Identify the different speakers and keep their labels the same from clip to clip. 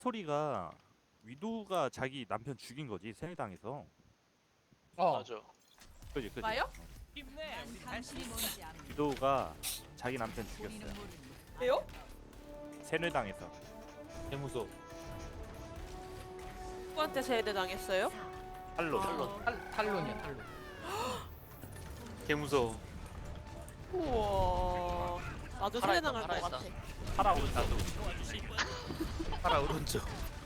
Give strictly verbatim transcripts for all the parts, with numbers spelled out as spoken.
Speaker 1: 스토리가 위도우가 자기 남편 죽인 거지 세뇌당해서.
Speaker 2: 어.
Speaker 3: 맞아.
Speaker 1: 그지 그지.
Speaker 4: 나요?
Speaker 5: 당신이 뭔지 압니다.
Speaker 1: 위도우가 자기 남편 죽였어요.
Speaker 4: 왜요?
Speaker 1: 세뇌당해서.
Speaker 2: 개무소.
Speaker 4: 누구한테 세대 당했어요?
Speaker 1: 탈로.
Speaker 4: 아.
Speaker 2: 탈 탈론이야 탈론.
Speaker 3: 개무서워.
Speaker 4: 우와. 나도 세대
Speaker 3: 살아있다,
Speaker 4: 당할 것
Speaker 3: 살아있다.
Speaker 4: 같아.
Speaker 1: 파라 나도.
Speaker 3: 파라 오른쪽.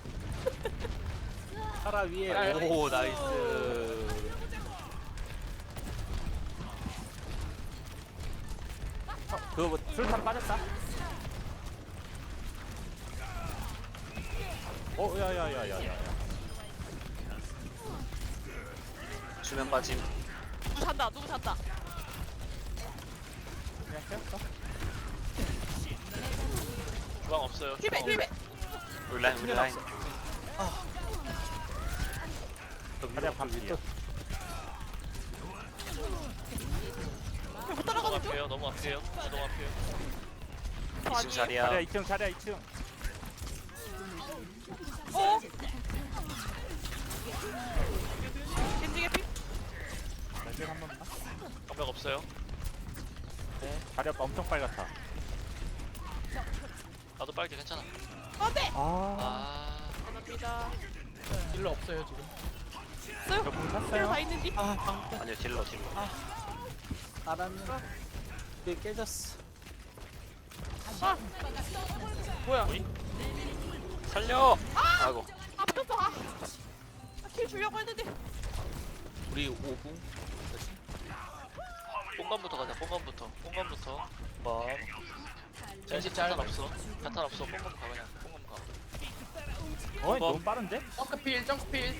Speaker 1: 파라 위에.
Speaker 2: 파라
Speaker 3: 오 나이스.
Speaker 1: 어, 그거 뭐 술탄 빠졌다. 어 야야야야야.
Speaker 3: 수면 빠짐.
Speaker 4: 누구 산다. 누구 산다.
Speaker 1: 그냥 세웠어.
Speaker 3: 주방 없어요.
Speaker 4: 힐베
Speaker 3: 주방
Speaker 4: 힐베.
Speaker 3: 우리 라인 우리 라인.
Speaker 1: 가자 밤이야.
Speaker 4: 못
Speaker 3: 너무
Speaker 4: 따라가는 중?
Speaker 3: 앞이에요. 너무 앞이에요. 너무 앞이에요.
Speaker 4: 저
Speaker 3: 이층
Speaker 4: 아니에요?
Speaker 3: 자리야.
Speaker 1: 자리야 이 층 자리야 이 층.
Speaker 4: 어? 겐지게 피?
Speaker 1: 날개 한번 봐.
Speaker 3: 방벽 없어요.
Speaker 1: 네. 자리야 엄청 빨갛다.
Speaker 3: 나도 빨개 괜찮아.
Speaker 4: 안돼!
Speaker 1: 아.
Speaker 3: 아.
Speaker 4: 감사합니다.
Speaker 2: 딜러 없어요 지금.
Speaker 4: 써요?
Speaker 1: 저분
Speaker 4: 힐러
Speaker 1: 샀어요.
Speaker 4: 다 있는지?
Speaker 3: 아니요 딜러 딜러.
Speaker 2: 알았네. 이게 깨졌어.
Speaker 4: 아! 뭐야?
Speaker 3: 살려. 아이고.
Speaker 4: 아 붙었어! 아! 아, 킬 주려고 했는데
Speaker 3: 우리 오 분. 뽕감부터 가자. 뽕감부터. 뽕감부터. 뭐. 젠지 자탄 없어. 자탄 없어. 뽕감 가 그냥. 뽕감 가.
Speaker 1: 어 너무 빠른데?
Speaker 2: 점크필 점크필.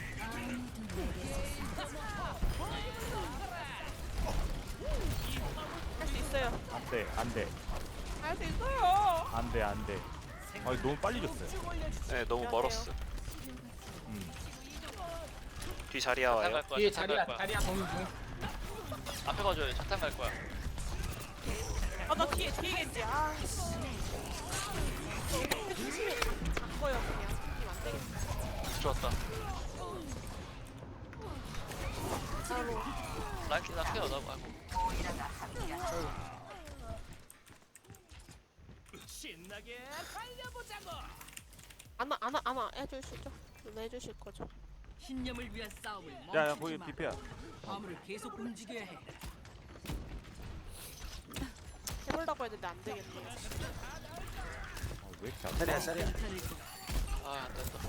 Speaker 4: 할 수 있어요.
Speaker 1: 안돼 안돼
Speaker 4: 할 수 있어요.
Speaker 1: 안돼 안돼. 아 너무 빨리 줬어요.
Speaker 3: 네 너무
Speaker 4: 미안해요.
Speaker 3: 멀었어.
Speaker 1: 음.
Speaker 3: 뒤 자리야 와요. 갈 거야.
Speaker 2: 뒤에
Speaker 3: 자탄
Speaker 2: 자리야
Speaker 3: 갈 거야.
Speaker 2: 자리야 거기 중.
Speaker 3: 앞에 가줘요. 자탄 갈 거야.
Speaker 4: 아 나 뒤에 뒤에 겐지. 아 씨. 바꿔요 그냥. 이안 되겠다.
Speaker 3: 좋았다.
Speaker 4: 바로.
Speaker 3: 라이트 나 케어 나 아이고.
Speaker 4: 안아 안아 안아 해주시죠. 누나 해주실 거죠.
Speaker 5: 신념을 위한 싸움을
Speaker 1: 야야
Speaker 5: 멈추지
Speaker 1: 거기
Speaker 5: 마.
Speaker 1: 비피야.
Speaker 5: 화물을 계속 움직여야 해.
Speaker 4: 해보려고 했는데 안 되겠네.
Speaker 1: 어, 왜 이렇게 안 돼?
Speaker 3: 자리야 자리야.
Speaker 5: 괜찮을 거야.
Speaker 3: 아 안된다.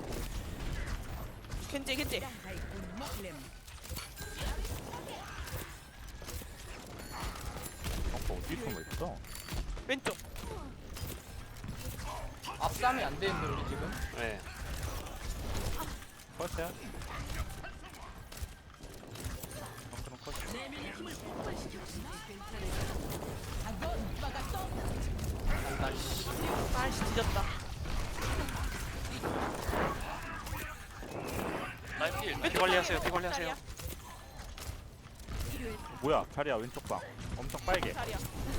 Speaker 4: 겐지 겐지.
Speaker 5: 레몬.
Speaker 1: 어, 어디 숨어 있어?
Speaker 4: 왼쪽.
Speaker 2: 앞싸움이 안 되는데 우리 지금.
Speaker 3: 네.
Speaker 1: 컷이야? 어, 그럼 컷.
Speaker 5: 내면의 힘을 폭발시켜.
Speaker 4: 아씨 뒤졌다.
Speaker 3: 라인 필. 피 관리하세요. 피 관리하세요.
Speaker 1: 뭐야 자리야 왼쪽 방. 엄청 빨개.
Speaker 4: 자리야.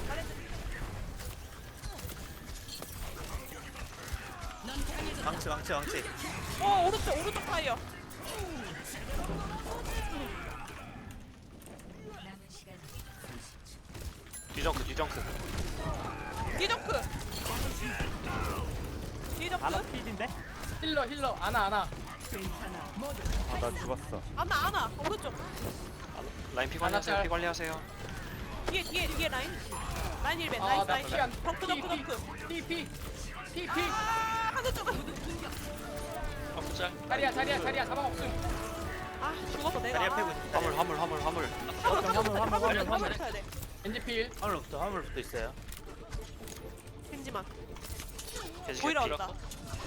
Speaker 3: 망치 망치 망치.
Speaker 4: 어 오른쪽 오른쪽 타이어.
Speaker 3: 뒤정크 뒤정크.
Speaker 4: 뒤정크. 뒤정크.
Speaker 1: 아나 필인데?
Speaker 2: 힐러 힐러 안아 안아.
Speaker 1: 아 나 죽었어.
Speaker 4: 안아 안아 오른쪽.
Speaker 3: 라인 피 관리하세요.
Speaker 2: 하나
Speaker 3: 피 관리하세요.
Speaker 4: 뒤에 뒤에 뒤에 라인. 라인 일벤
Speaker 2: 아,
Speaker 4: 나이스
Speaker 2: 나
Speaker 4: 나이스.
Speaker 2: 피 안-
Speaker 4: 덩크 덩크
Speaker 2: 피,
Speaker 4: 덩크.
Speaker 2: 피 피 피 피.
Speaker 4: 아 하늘 쪽.
Speaker 3: 한번 짤.
Speaker 2: 자리야 자리야 자리야 가방 없음.
Speaker 4: 아 죽었어 내가.
Speaker 3: 자리야 패고. 화물 화물 화물 화물.
Speaker 4: 화물
Speaker 1: 화물, 화물, 화물,
Speaker 4: 화물
Speaker 1: 화물.
Speaker 4: 화물 쳐야 돼.
Speaker 2: 겐지필.
Speaker 3: 화물부터 화물부터 있어요.
Speaker 4: 겐지만.
Speaker 3: 계속
Speaker 4: 보이러
Speaker 3: 필요
Speaker 4: 왔다.
Speaker 3: 없고.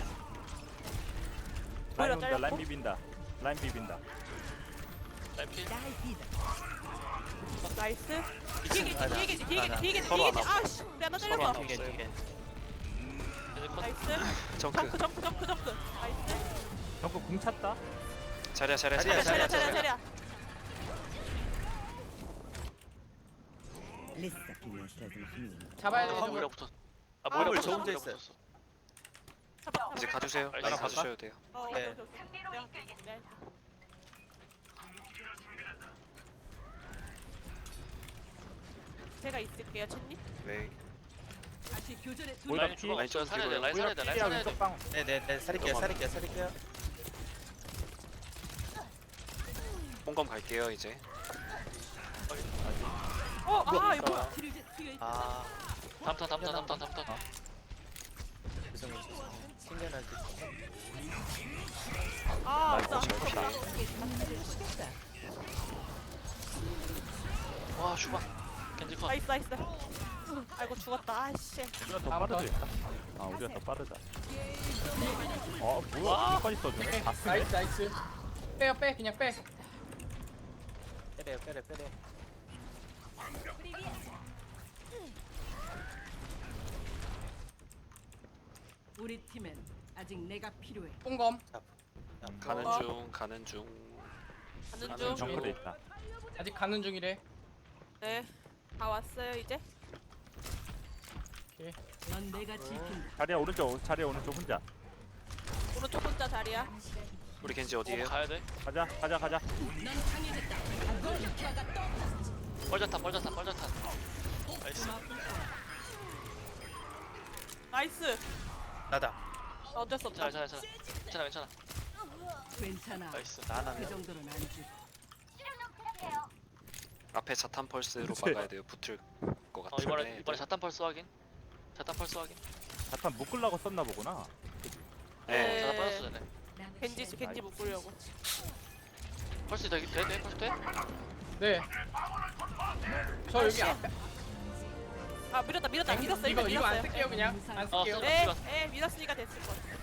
Speaker 4: 보이러
Speaker 1: 라인 온다
Speaker 4: 잘렸고.
Speaker 1: 라인 비빈다. 라인 비빈다.
Speaker 3: 라인 필.
Speaker 4: 나이스. 뒤에 겐지
Speaker 3: 아니야.
Speaker 4: 뒤에 겐지 뒤에 겐지 뒤에 겐지
Speaker 3: 서로
Speaker 4: 뒤에
Speaker 3: 안
Speaker 4: 겐지.
Speaker 3: 왔어.
Speaker 4: 아씨 우리 하나
Speaker 3: 서로
Speaker 4: 때렸어.
Speaker 3: 안 없어요. 계속 컷.
Speaker 4: 나이스.
Speaker 3: 정크.
Speaker 4: 점프 점프 점프 점프. 나이스.
Speaker 1: 저거 궁 찼다.
Speaker 3: 자리야 자리야
Speaker 4: 차려 차려
Speaker 3: 자리야
Speaker 4: 차려 차려.
Speaker 2: 잡아야 돼.
Speaker 3: 아
Speaker 2: 저거.
Speaker 3: 모이라 붙었. 아 모이라
Speaker 4: 아,
Speaker 3: 붙었어.
Speaker 4: 저
Speaker 3: 모이라 붙었어.
Speaker 6: 이제 가주세요.
Speaker 3: 나이스.
Speaker 6: 라인 가주셔도 돼요.
Speaker 4: 어,
Speaker 7: 네.
Speaker 4: 오케이, 오케이, 오케이. 네, 네. 제가 있을게요, 첸님.
Speaker 6: 왜?
Speaker 5: 다시 교전에
Speaker 1: 뭐야,
Speaker 5: 돌입해.
Speaker 3: 라인 주방
Speaker 6: 라인
Speaker 3: 없어요.
Speaker 6: 좀
Speaker 3: 살려야 돼.
Speaker 6: 뒤로요.
Speaker 3: 라인 살려야 돼. 라인 살려야 돼.
Speaker 1: 왼쪽 방.
Speaker 7: 네네네 살릴게요 살릴게요 살릴게요.
Speaker 6: 뽕검 갈게요 이제.
Speaker 4: 어, 아, 이거 뭐야?
Speaker 5: 뒤를 이제 뒤에
Speaker 7: 아
Speaker 3: 다음 턴 다음 턴 다음 턴 다음 턴.
Speaker 7: 죄송해요 죄송해요. 생겨날 때.
Speaker 4: 아,
Speaker 6: 라인
Speaker 4: 맞다.
Speaker 6: 거쳐 피.
Speaker 3: 와 주방. 겐지 컷.
Speaker 4: 나이스, 나이스. 아이고, 죽었다. 아이씨.
Speaker 1: 우리가 더
Speaker 2: 다음
Speaker 1: 빠르다. 아 우리가 더 빠르다. 어 뭐야? 여기까지 써주네. 다 쓰네.
Speaker 2: 나이스 나이스. 빼요 빼 그냥 빼.
Speaker 7: 빼래요 빼래 빼래.
Speaker 5: 우리 팀엔 아직 내가 필요해.
Speaker 2: 뽕검.
Speaker 6: 가는
Speaker 4: 어.
Speaker 6: 중 가는 중.
Speaker 4: 가는
Speaker 3: 가는
Speaker 4: 중.
Speaker 3: 중.
Speaker 1: 정글에 있다.
Speaker 2: 아직 가는 중이래.
Speaker 4: 네. 다 왔어요, 이제.
Speaker 5: 넌 내가 지킨다.
Speaker 1: 자리야 오른쪽. 자리야 오른쪽 혼자.
Speaker 4: 오른쪽 혼자 자리야.
Speaker 6: 우리 겐지
Speaker 3: 어,
Speaker 6: 어디에요?
Speaker 3: 가야 돼.
Speaker 1: 가자 가자 가자.
Speaker 5: 넌 강해졌다.
Speaker 3: 뻘자탄 뻘자탄 뻘자탄. 나이스.
Speaker 4: 나이스.
Speaker 7: 나다.
Speaker 4: 어쩔 수 없다.
Speaker 3: 괜찮아 괜찮아 괜찮아. 괜찮아 괜찮아.
Speaker 5: 괜찮아.
Speaker 3: 나이스.
Speaker 5: 그
Speaker 7: 나나면
Speaker 5: 정도는 안 주.
Speaker 6: 앞에 자탄 펄스로
Speaker 1: 그치.
Speaker 6: 막아야 돼요. 붙을 것
Speaker 3: 어 이번에
Speaker 6: 같은데.
Speaker 3: 이번에 자탄 펄스 확인. 자탄 펄스 확인.
Speaker 1: 자탄 묶으려고 썼나 보구나.
Speaker 6: 네.
Speaker 3: 자탄 빠졌어 전에.
Speaker 4: 겐지, 겐지 묶으려고.
Speaker 3: 펄스 되게 돼? 돼? 펄스 돼?
Speaker 2: 네. 저 여기
Speaker 4: 아,
Speaker 2: 앞에.
Speaker 4: 아, 밀었다, 밀었다. 밀었어,
Speaker 2: 이거
Speaker 4: 일단
Speaker 2: 이거 안
Speaker 4: 밀었어요.
Speaker 2: 쓸게요 그냥. 안
Speaker 3: 어,
Speaker 2: 쓸게요.
Speaker 3: 쓰-
Speaker 4: 네, 네, 밀었으니까 됐을 것 같아.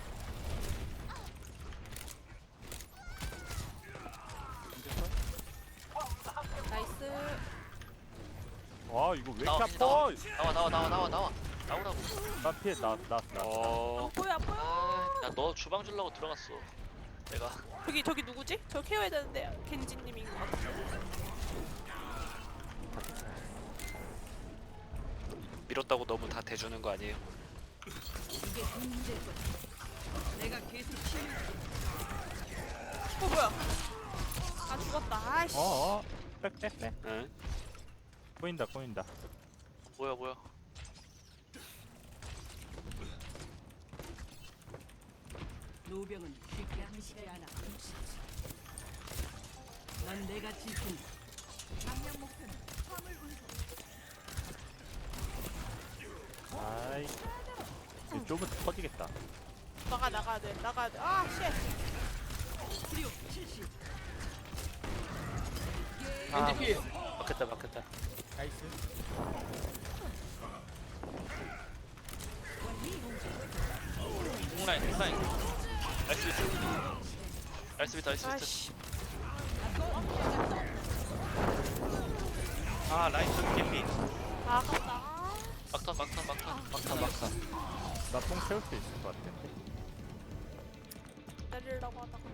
Speaker 4: 나이스.
Speaker 1: 와 이거 왜 이렇게
Speaker 3: 나와,
Speaker 1: 아파?
Speaker 3: 나와 나와 나와 나와 나와 나오라고.
Speaker 1: 나 피해 나 나 나.
Speaker 6: 어.
Speaker 4: 뭐야, 뭐야.
Speaker 3: 야너 주방 주려고 들어갔어. 내가
Speaker 4: 저기, 저기 누구지? 저 케어해야 되는데 겐지님인 것 같아.
Speaker 6: 밀었다고 너무 다 대주는 거 아니에요?
Speaker 5: 이게 문제일 거야. 내가 계속 치유.
Speaker 4: 어, 뭐야. 아, 죽었다. 아이씨.
Speaker 1: 어어. 빽빽빽.
Speaker 6: 응?
Speaker 1: 보인다 보인다.
Speaker 3: 뭐야 뭐야.
Speaker 5: 노병은 쉽게 하지 않아. 넌 내가 지킨다.
Speaker 1: 아이. 이거 좁은 터지겠다.
Speaker 4: 나가, 나가야 돼. 나가야 돼. 아, 씨.
Speaker 5: 치료 실시.
Speaker 2: 겐지 필.
Speaker 7: 막혔다 막혔다.
Speaker 2: 나이스.
Speaker 3: 공라인 공라인. 나이스 비트. 나이스 비트 나이스 비트.
Speaker 4: 아이씨.
Speaker 7: 아 라인 좀 개피.
Speaker 4: 아, 아깝다.
Speaker 3: 막탄 막탄 막탄.
Speaker 7: 막타 막타.
Speaker 1: 나뽕 채울 수 있을 것 같은데.
Speaker 4: 때리려고 하다가.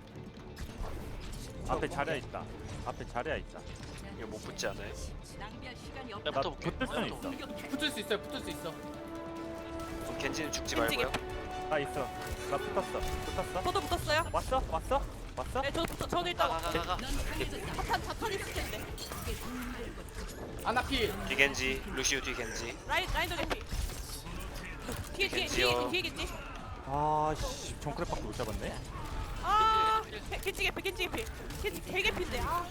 Speaker 1: 앞에 자리야 있다. 앞에 자리야 있다.
Speaker 6: 이거 못 붙지 않아요?
Speaker 5: 낭비할 시간이 없다.
Speaker 3: 내가
Speaker 1: 나
Speaker 3: 붙어볼게.
Speaker 1: 붙을 수는
Speaker 3: 내가
Speaker 1: 있어.
Speaker 3: 붙어볼게.
Speaker 2: 붙을 수 있어요. 붙을 수 있어.
Speaker 6: 그럼 겐지는 죽지
Speaker 4: 겐지
Speaker 6: 말고요.
Speaker 1: 나 있어. 나 붙었어. 붙었어.
Speaker 4: 저도 붙었어요.
Speaker 1: 왔어? 왔어? 왔어?
Speaker 4: 네, 저도 붙어. 저도 일단
Speaker 3: 가가가가.
Speaker 5: 넌 강해졌다.
Speaker 4: 자탄, 자탄 있을 텐데.
Speaker 5: 이게 문제일 거야.
Speaker 2: 아나 필.
Speaker 6: 뒤 겐지, 루시우 뒤 겐지.
Speaker 4: 라인, 라인도 개피. 뒤에, 뒤에, 뒤에,
Speaker 6: 겐지요.
Speaker 4: 뒤에 겐지.
Speaker 1: 아씨 정크랩밖에 못 잡았네.
Speaker 4: 아, 겐- 겐지 개피, 겐지 개피. 겐지 개개피인데. 아,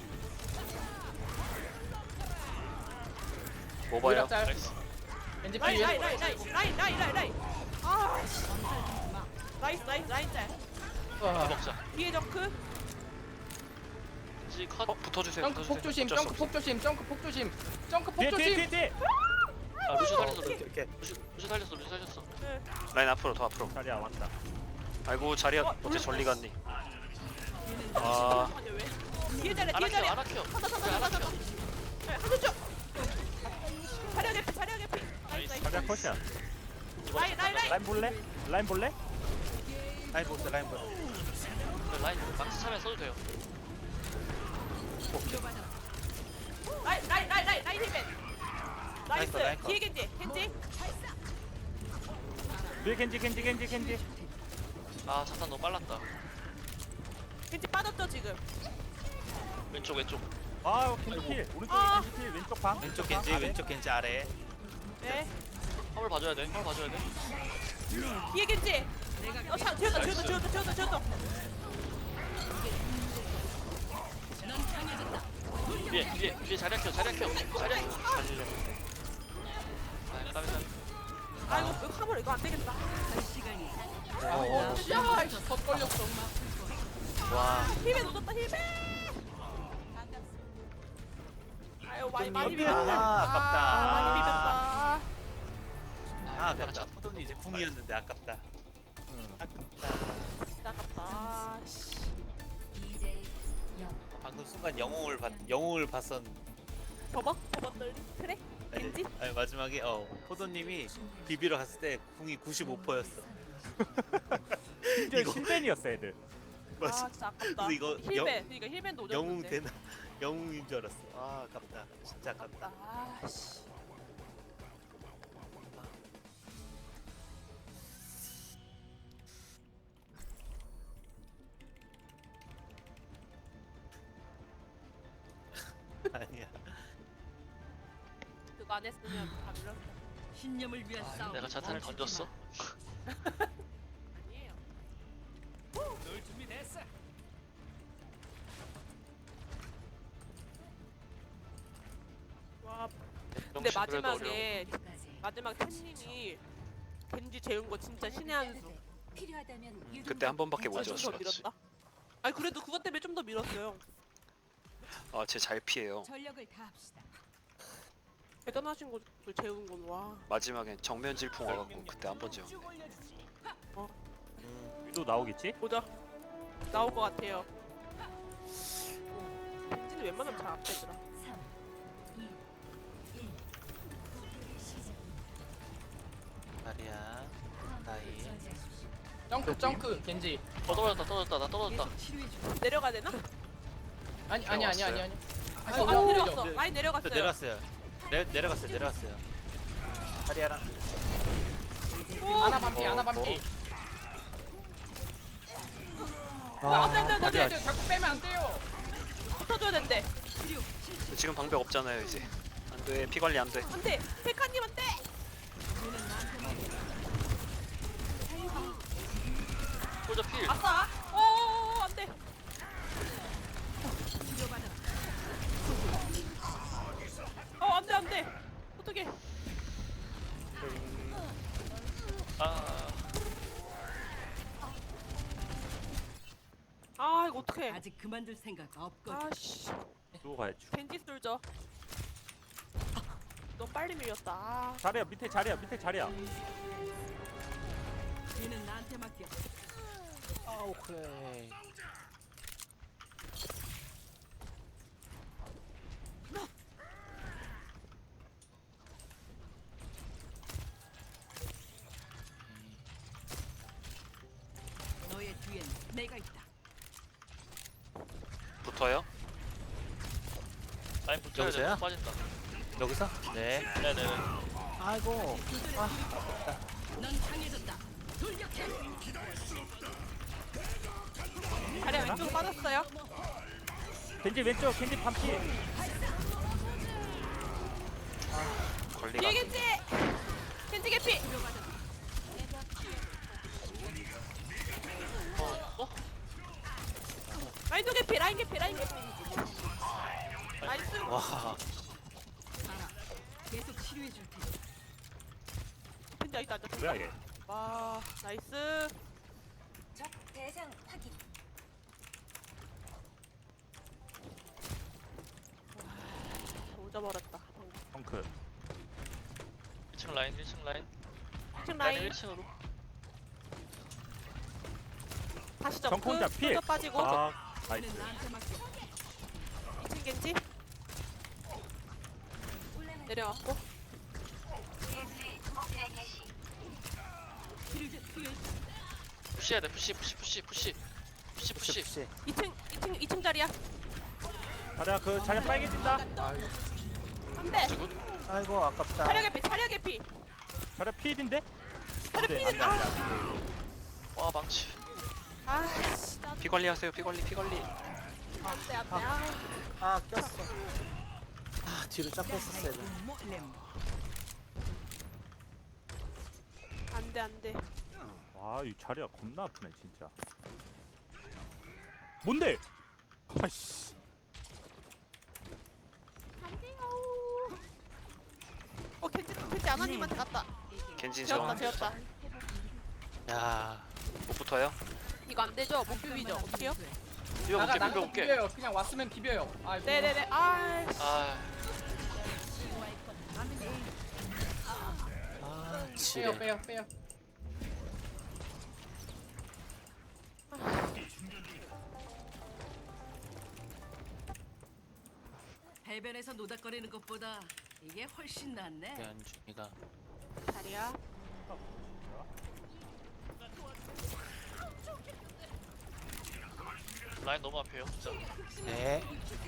Speaker 6: 뭐 봐요?
Speaker 2: 짤.
Speaker 3: 나이스.
Speaker 2: 겐지
Speaker 4: 라인,
Speaker 2: 필.
Speaker 4: 라인, 라인, 라인, 라인, 라인, 라인, 라인. 아, 씨. 나이스, 나이스, 라인 짤.
Speaker 2: 와.
Speaker 3: 먹자.
Speaker 4: 뒤에 정크.
Speaker 3: 지 컷.
Speaker 6: 어 붙어주세요.
Speaker 2: 점크 폭
Speaker 6: 붙어주세요.
Speaker 2: 조심.
Speaker 6: 어쩔 수
Speaker 2: 점크
Speaker 6: 없어.
Speaker 2: 폭 조심. 점크 폭 조심. 점크 폭
Speaker 1: 뒤에 뒤에 뒤에
Speaker 2: 조심.
Speaker 1: 뒤에.
Speaker 3: 아 루시 살렸어.
Speaker 7: 이렇게 이렇게.
Speaker 3: 루시 루시 살렸어. 루시 살렸어.
Speaker 4: 네.
Speaker 6: 라인 앞으로 더 앞으로.
Speaker 1: 자리야 왔다.
Speaker 6: 아이고 자리야
Speaker 4: 어,
Speaker 6: 어째 저리 갔니? 아
Speaker 4: 잠깐만요, 왜? 뒤에 자리야, 뒤에
Speaker 3: 아나키어
Speaker 4: 자리야.
Speaker 3: 아나키어.
Speaker 4: 하나, 하나,
Speaker 3: 그래,
Speaker 4: 하나,
Speaker 3: 아나키어.
Speaker 4: 하나. 네, 한쪽 쪽. 자리야 개피, 자리야 개피. 나이스, 나이스.
Speaker 1: 자리야 컷이야.
Speaker 4: 라인, 라인, 라인.
Speaker 1: 라인 볼래? 라인 볼래?
Speaker 7: 라인 보스 라인 보스.
Speaker 3: 라인 망치 차면 써도 돼요.
Speaker 4: 라인, 라인, 라인, 라인, 라인 힐맨. 나이스.
Speaker 7: 라인 거, 라인 거.
Speaker 4: 뒤에 겐지, 겐지.
Speaker 1: 뒤에 겐지 겐지 겐지 겐지.
Speaker 3: 아 자탄 너무 빨랐다.
Speaker 4: 겐지 빠졌죠 지금.
Speaker 3: 왼쪽 왼쪽.
Speaker 1: 아 겐지 필 오른쪽에
Speaker 4: 아.
Speaker 1: 겐지 필 왼쪽 방
Speaker 7: 왼쪽 겐지
Speaker 1: 아래.
Speaker 7: 왼쪽 겐지 아래.
Speaker 4: 네.
Speaker 3: 화물 봐줘야 돼. 화물 봐줘야 돼.
Speaker 4: 뒤에 겐지. 어, 차, 지웠다, 지웠다, 지웠다, 지웠다, 지웠다.
Speaker 3: 위에 위에 위에 자리 켜 자리 켜 자리 켜. 살리려는데. 아 까비 까비.
Speaker 4: 아이고, 이거 화물 이거 안 되겠다.
Speaker 2: 어, 야, 이씨, 덧 걸렸어.
Speaker 7: 와.
Speaker 4: 힐벤 놓쳤다, 힐벤. 아유, 많이 많이
Speaker 7: 아,
Speaker 4: 비볐다.
Speaker 7: 아깝다.
Speaker 4: 아, 많이 비볐다.
Speaker 7: 아 아깝다. 포돈이 이제 궁이었는데 아깝다.
Speaker 4: 진짜 아깝다. 아, 씨.
Speaker 7: 방금 순간 영웅을 봤 영웅을 봤었.
Speaker 4: 저거? 저거 떨리? 그래? 겐지?
Speaker 7: 아니 마지막에 어 포도님이 비비러 갔을 때 궁이 구십오 퍼센트였어.
Speaker 1: 심지어 실벤이었어 애들.
Speaker 4: 아, 진짜 아깝다.
Speaker 7: 근데 이거
Speaker 4: 힐벤.
Speaker 7: 영-
Speaker 4: 그러니까 힐벤도
Speaker 7: 영웅
Speaker 4: 오졌는데.
Speaker 7: 되나 영웅인 줄 알았어. 아 아깝다. 진짜 아깝다.
Speaker 4: 아, 씨.
Speaker 7: 아니야.
Speaker 4: 그거 안 했으면 다 밀렸어.
Speaker 5: 신념을 위한 싸움.
Speaker 3: 내가 자탄을 던졌어.
Speaker 4: 아니에요. 와, 근데
Speaker 3: 정신 그래도 어려워.
Speaker 4: 마지막에 마지막 템님이 겐지 재운 거 진짜 신의 한 수.
Speaker 6: 그때 한 번밖에 못
Speaker 4: 좀
Speaker 6: 졌어.
Speaker 4: 더 밀었다. 아니 그래도 그것 때문에 좀 더 밀었어요.
Speaker 6: 아쟤 잘 피해요.
Speaker 5: 전력을 다합시다.
Speaker 4: 대단하신 거를 재운 건 와.
Speaker 6: 마지막엔 정면 질풍 와갖고 그때 한 번 지었네.
Speaker 1: 위도 나오겠지?
Speaker 4: 보자. 나올 것 같아요. 겐지는 웬만하면 잘 안 빼더라.
Speaker 7: 마리아. 나이.
Speaker 2: 점크, 점크, 겐지.
Speaker 3: 어 떨어졌다 떨어졌다 나 떨어졌다.
Speaker 5: 계속 치료해 주.
Speaker 4: 내려가야 되나?
Speaker 2: 아니, 아니, 아니, 아니, 아니.
Speaker 4: 아,
Speaker 2: 아니,
Speaker 4: 안
Speaker 2: 오,
Speaker 4: 내려갔어.
Speaker 2: 오,
Speaker 4: 많이
Speaker 7: 저
Speaker 4: 내려갔어요.
Speaker 7: 내려갔어요. 내 내려갔어요. 내려갔어요. 마리아랑.
Speaker 2: 하나 반피, 하나 반피.
Speaker 4: 아, 안 돼, 안 돼, 안 돼, 안 돼.
Speaker 2: 네, 자꾸 빼면 안 돼요.
Speaker 4: 붙어줘야 된대.
Speaker 6: 지금 방벽 없잖아요 이제. 안돼 피 관리 안돼.
Speaker 4: 안 돼. 백화님 안 돼.
Speaker 3: 홀저 필.
Speaker 4: 아싸. 어, 안 돼. 어, 안 돼, 안 돼. 어떡해.
Speaker 3: 아
Speaker 4: 아, 이거 어떡해.
Speaker 5: 아직 그만둘 생각 없거든.
Speaker 4: 아씨.
Speaker 1: 누구 가야지.
Speaker 4: 겐지 쏠죠. 너무 빨리 밀렸다. 아.
Speaker 1: 자리야 밑에 자리야 밑에 자리야.
Speaker 5: 얘는 나한테 맡겨.
Speaker 7: 아 오케이.
Speaker 5: 너의 뒤엔 내가 있다.
Speaker 6: 붙어요?
Speaker 3: 라인 붙여야 돼.
Speaker 7: 여보세요?
Speaker 3: 빠진다.
Speaker 7: 여기서? 네.
Speaker 3: 네네네.
Speaker 7: 아이고.
Speaker 5: 넌 강해졌다. 돌격해.
Speaker 4: 자리야 왼쪽 빠졌어요.
Speaker 1: 겐지 왼쪽 겐지 반피.
Speaker 6: 관리가
Speaker 4: 뒤에
Speaker 6: 안 돼.
Speaker 4: 겐지. 겐지 개피.
Speaker 3: 어? 어?
Speaker 4: 라인도 개피. 라인 개피. 라인 개피. 나이스.
Speaker 7: 와.
Speaker 5: 알아. 계속 치료해 줄 테니.
Speaker 4: 겐지 아직도 안 잡혔어.
Speaker 1: 뭐야 얘?
Speaker 4: 와, 나이스.
Speaker 8: 적 대상 확인.
Speaker 4: 오져버렸다.
Speaker 1: 펑크.
Speaker 3: 일 층 라인 일 층 라인.
Speaker 4: 이 층
Speaker 3: 라인
Speaker 4: 라인
Speaker 3: 일 층으로.
Speaker 4: 다시 점프.
Speaker 1: 정혼자 필.
Speaker 4: 또 빠지고.
Speaker 1: 아
Speaker 5: 얘는
Speaker 1: 나이스.
Speaker 5: 나한테 맡겨.
Speaker 4: 이 층 겐지. 내려왔고.
Speaker 5: 치료해 치료해.
Speaker 3: 푸시해야 돼 푸시 푸시 푸시 푸시 푸시 푸시.
Speaker 7: 푸시.
Speaker 4: 이 층, 이 층, 이 층 자리야.
Speaker 1: 자리야 그 자리 빨개진다.
Speaker 4: 안 돼.
Speaker 7: 아이고 아깝다.
Speaker 4: 차려 개피, 차려 개피.
Speaker 1: 자리 필인데?
Speaker 4: 차려
Speaker 1: 네,
Speaker 4: 피.
Speaker 1: 안 돼,
Speaker 4: 아,
Speaker 1: 안 돼.
Speaker 3: 와 망치.
Speaker 4: 아씨 나
Speaker 6: 피 관리하세요. 피 관리 피 관리.
Speaker 4: 안돼 안돼 아
Speaker 7: 아 꼈어. 아 뒤로 쫙 뺐었어야 돼.
Speaker 4: 안돼 안돼
Speaker 1: 와, 이 자리가 겁나 아프네 진짜. 뭔데? 아이씨.
Speaker 4: 안돼요 어 겐지 겐지 아나님한테 갔다
Speaker 6: 겐진
Speaker 4: 되었다
Speaker 6: 정.
Speaker 4: 되었다
Speaker 6: 야, 못 붙어요?
Speaker 4: 이거 안 되죠? 못 비비죠? 어떡해요?
Speaker 3: 비벼볼게
Speaker 2: 나가 나가
Speaker 3: 비벼볼게.
Speaker 2: 비벼요. 그냥 왔으면 비벼요. 아,
Speaker 4: 네네네 아이씨
Speaker 3: 아
Speaker 7: 아
Speaker 2: 빼요
Speaker 7: 지뢰.
Speaker 2: 빼요 빼요.
Speaker 5: 해변에서 노닥거리는 것보다 이게 훨씬 낫네.
Speaker 7: 연준이가
Speaker 4: 자리야
Speaker 3: 라인 너무 앞에요 진짜.
Speaker 7: 네.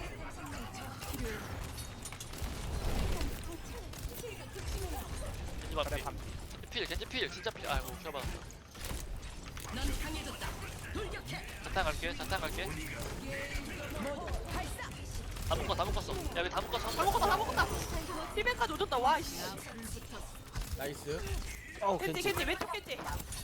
Speaker 3: 겐지 앞에. 필 겐지 필 진짜 필. 아이고 켜봐.
Speaker 5: 넌 강해졌다. 돌격해.
Speaker 3: 자탄 갈게 자탄 갈게. 다 묶어 다 묶었어. 야 여기 다 묶었어.
Speaker 4: 다 먹었다 다 먹었다 힐백까지 오졌다 와이씨
Speaker 2: 나이스.
Speaker 7: 어
Speaker 4: 겐지
Speaker 7: 겐지.
Speaker 4: 겐지 왼쪽 겐지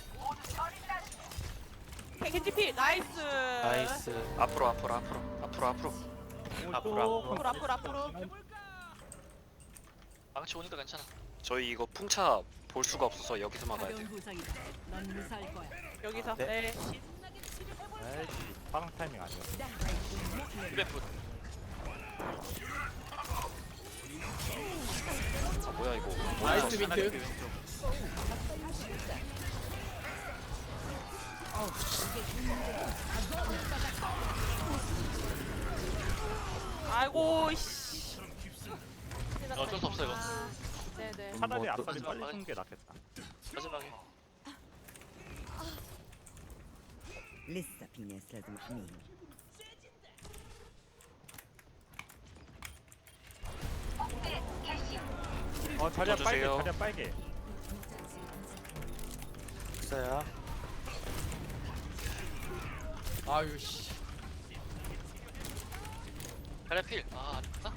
Speaker 4: 겐- 겐지 필 나이스
Speaker 7: 나이스.
Speaker 6: 앞으로 앞으로 앞으로 앞으로 앞으로.
Speaker 7: 앞으로 앞으로.
Speaker 4: 앞으로 앞으로 앞으로
Speaker 3: 망치 오니까 괜찮아.
Speaker 6: 저희 이거 풍차 볼 수가 없어서 여기서 막아야
Speaker 5: 가벼운
Speaker 6: 돼요.
Speaker 5: 부상이다. 넌 무사할 거야.
Speaker 4: 여기서
Speaker 7: 네.
Speaker 4: 네
Speaker 1: 아이씨. 빠른 타이밍 아니야.
Speaker 3: 힐베프.
Speaker 6: 아 뭐야 이거.
Speaker 2: 나이스 비트.
Speaker 4: 아이고 씨
Speaker 3: 어쩔 수 없어 이거.
Speaker 4: 아, 네네
Speaker 1: 차라리
Speaker 7: 뭐 또-
Speaker 1: 앞까지 빨리
Speaker 3: 마지막에.
Speaker 1: 쓰는 게 낫겠다.
Speaker 3: 마지막에.
Speaker 9: لسه في ناس لازم احميهم.
Speaker 1: 어, 자리야 빨개.
Speaker 6: 넣어주세요.
Speaker 1: 자리야 빨개.
Speaker 7: 있어요.
Speaker 2: 아유 씨.
Speaker 3: 자리 필. 아 아쉽다.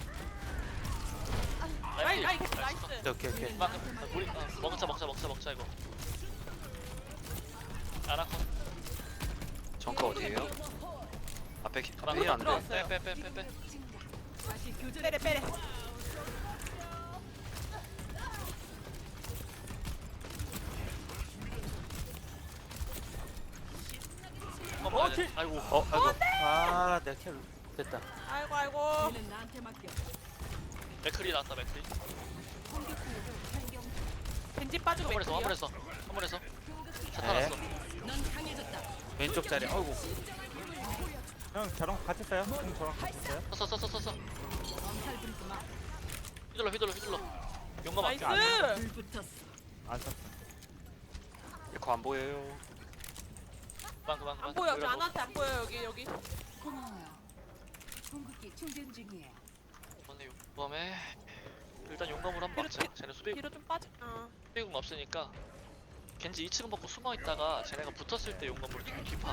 Speaker 4: 라인 라인
Speaker 3: 필.
Speaker 4: 겐지 나이스
Speaker 7: 오케이 오케이.
Speaker 3: 막 아, 우리 아, 먹자 먹자 먹자 먹자 이거. 아나콘.
Speaker 6: 정크 어디에요? 앞에 기-
Speaker 3: 가방
Speaker 6: 앞에 안 돼.
Speaker 4: 들어왔어요.
Speaker 3: 빼빼빼빼 빼.
Speaker 5: 다시 교전.
Speaker 4: 빼래 빼래
Speaker 3: 어,
Speaker 1: 어, 킬!
Speaker 3: 아이고.
Speaker 6: 어 아이고.
Speaker 7: 아 내가 킬 됐다.
Speaker 4: 아이고 아이고
Speaker 5: 얘는 나한테 맡겨.
Speaker 3: 맥클이 나왔다 맥클이.
Speaker 4: 겐지 빠지고
Speaker 3: 화물에서
Speaker 4: 맥클이요
Speaker 3: 화물에서 화물에서. 자탄
Speaker 7: 네.
Speaker 3: 왔어.
Speaker 5: 넌 강해졌다.
Speaker 7: 왼쪽 자리. 어이구.
Speaker 1: 형 저랑 같이 써요? 형 저랑 같이 써요?
Speaker 3: 썼어 썼어 썼어.
Speaker 5: 엄살 부리지 마.
Speaker 3: 휘둘러 휘둘러 휘둘러. 용감
Speaker 4: 나이스
Speaker 3: 앞에.
Speaker 5: 불 붙었어.
Speaker 1: 안 썼어.
Speaker 6: 에코 안 보여요.
Speaker 3: 그만 그만 그만.
Speaker 4: 안 보여 여기
Speaker 3: 그래도
Speaker 4: 안한테 안 보여 여기 여기
Speaker 5: 고마워요. 궁극기 충전 중이에요.
Speaker 3: 이번에 용감에 일단 용감으로 한번 막자. 쟤네 수비
Speaker 4: 뒤로 좀 빠지 어.
Speaker 3: 수비공 없으니까 겐지 이 층 먹고 숨어 있다가 쟤네가 붙었을 때 용감으로 뒤 뒤파.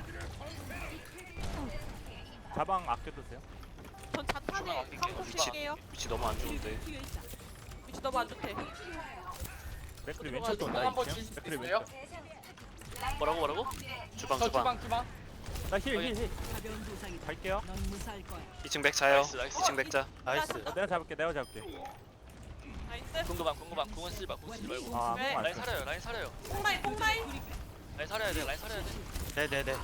Speaker 1: 자방 아껴두세요.
Speaker 4: 전 자탄에
Speaker 3: 주방
Speaker 4: 성공
Speaker 3: 위치.
Speaker 4: 칠게요
Speaker 6: 위치 너무 안 좋은데.
Speaker 5: 뒤에 있다.
Speaker 4: 위치 너무 안 좋대
Speaker 1: 맥클이
Speaker 4: 들어가야
Speaker 1: 왼쪽
Speaker 4: 돼.
Speaker 1: 돈다
Speaker 2: 한번
Speaker 1: 이층.
Speaker 2: 칠수
Speaker 1: 맥클이
Speaker 2: 있어요?
Speaker 1: 왼쪽.
Speaker 3: 뭐라고 뭐라고?
Speaker 6: 주방
Speaker 2: 저
Speaker 6: 주방.
Speaker 2: 주방 주방.
Speaker 1: 나힐 힐 힐.
Speaker 5: 가벼운 부상이다.
Speaker 1: 갈게요.
Speaker 5: 넌 무사할 거야.
Speaker 6: 이 층 백 자요.
Speaker 3: 나이스, 나이스.
Speaker 6: 이 층 백자.
Speaker 7: 나이스.
Speaker 1: 어, 내가 잡을게. 내가 잡을게.
Speaker 4: 나이스
Speaker 3: 궁금한 궁금한 궁은 쓰지 마 궁은 쓰지 말고.
Speaker 1: 아,
Speaker 4: 네.
Speaker 1: 안
Speaker 3: 라인
Speaker 1: 써.
Speaker 3: 살아요 라인 살아요.
Speaker 4: 뽕라인 뽕라인
Speaker 3: 라인 살아야 돼 라인 살아야 돼.
Speaker 7: 네네네.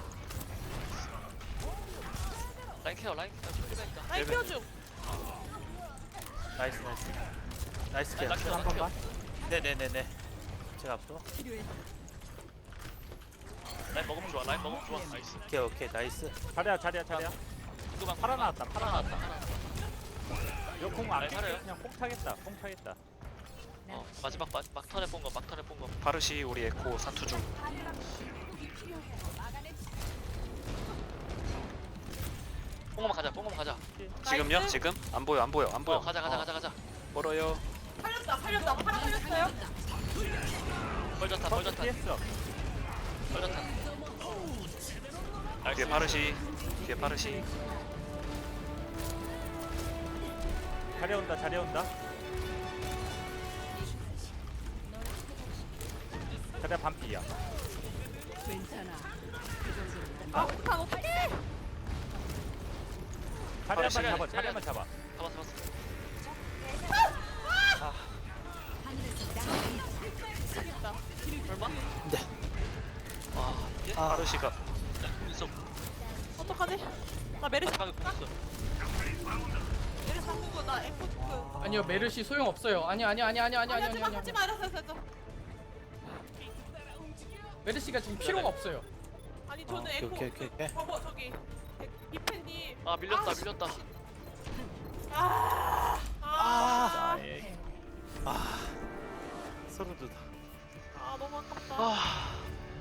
Speaker 3: 라인 케어 라인 케어 필요하니까.
Speaker 4: 라인
Speaker 6: 네,
Speaker 4: 키워 중
Speaker 7: 나이스 나이스. 나이스 킬.
Speaker 3: 나 키워
Speaker 1: 한
Speaker 3: 나 키워.
Speaker 1: 번만.
Speaker 7: 네네네네. 제가 앞으로.
Speaker 5: 필요해.
Speaker 3: 라인 먹으면 좋아 라인 먹으면 좋아. 나이스.
Speaker 7: 오케이 오케이 나이스.
Speaker 1: 자리야 자리야 자리야.
Speaker 3: 궁금한
Speaker 1: 팔아 나왔다. 팔아
Speaker 3: 팔아
Speaker 1: 나왔다.
Speaker 3: 나왔다.
Speaker 1: 이거 공안
Speaker 3: 아니, 살아요.
Speaker 1: 그냥 뽕 차겠다. 뽕 차겠다.
Speaker 3: 어 마지막 막 막턴에 본 거 막턴에 본 거.
Speaker 6: 파르시 우리 에코 사투 중.
Speaker 3: 뽕검 가자 뽕검 가자.
Speaker 6: 지금요?
Speaker 4: 나이스.
Speaker 6: 지금? 안 보여 안 보여 안 보여.
Speaker 3: 어 가자 가자 가자 가자.
Speaker 6: 멀어요.
Speaker 4: 살렸다 살렸다 팔아 살렸어요
Speaker 3: 벌졌다 벌졌다
Speaker 1: 피했어.
Speaker 3: 벌졌다.
Speaker 6: 뒤에 파르시 뒤에 파르시
Speaker 1: 자리 온다 자리 온다. 자리야 반피야.
Speaker 5: 괜찮아. 그 정도는
Speaker 4: 아 폭탄 어떡해
Speaker 1: 자리야만
Speaker 3: 자리,
Speaker 1: 잡아
Speaker 3: 자리.
Speaker 1: 자리야만 잡아.
Speaker 3: 잡았어 잡았어.
Speaker 4: 얼마?
Speaker 3: 아 이게?
Speaker 6: 파르시가
Speaker 3: 있어.
Speaker 4: 어떡하지? 나 메르시
Speaker 3: 마지막에 공 있어.
Speaker 4: 메르시 한국어 나 에코 그
Speaker 2: 아니요 메르시 소용 없어요. 아니 아니 아니 아니 아니
Speaker 4: 아니
Speaker 2: 아니
Speaker 4: 하지마
Speaker 2: 아니.
Speaker 4: 하지마 알았어 알았어 알았어
Speaker 2: 메르시가 지금 필요가 없어요.
Speaker 4: 아니 저는
Speaker 7: 오케이,
Speaker 4: 에코
Speaker 7: 오케이, 오케이, 오케이.
Speaker 4: 그 저거 저기 이팬님
Speaker 3: 아 밀렸다
Speaker 4: 아,
Speaker 3: 밀렸다.
Speaker 4: 아, 아,
Speaker 1: 나의
Speaker 7: 서로 도
Speaker 4: 아 너무 아깝다.
Speaker 3: 아.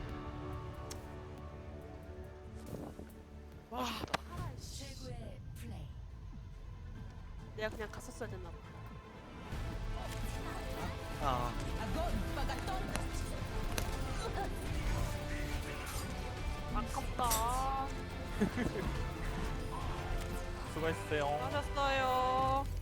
Speaker 4: 와,
Speaker 8: 최고의 플레이.
Speaker 4: 내가 그냥 갔었어야 됐나 봐.
Speaker 7: 아
Speaker 4: 아깝다.
Speaker 1: 수고했어요.
Speaker 4: 하셨어요.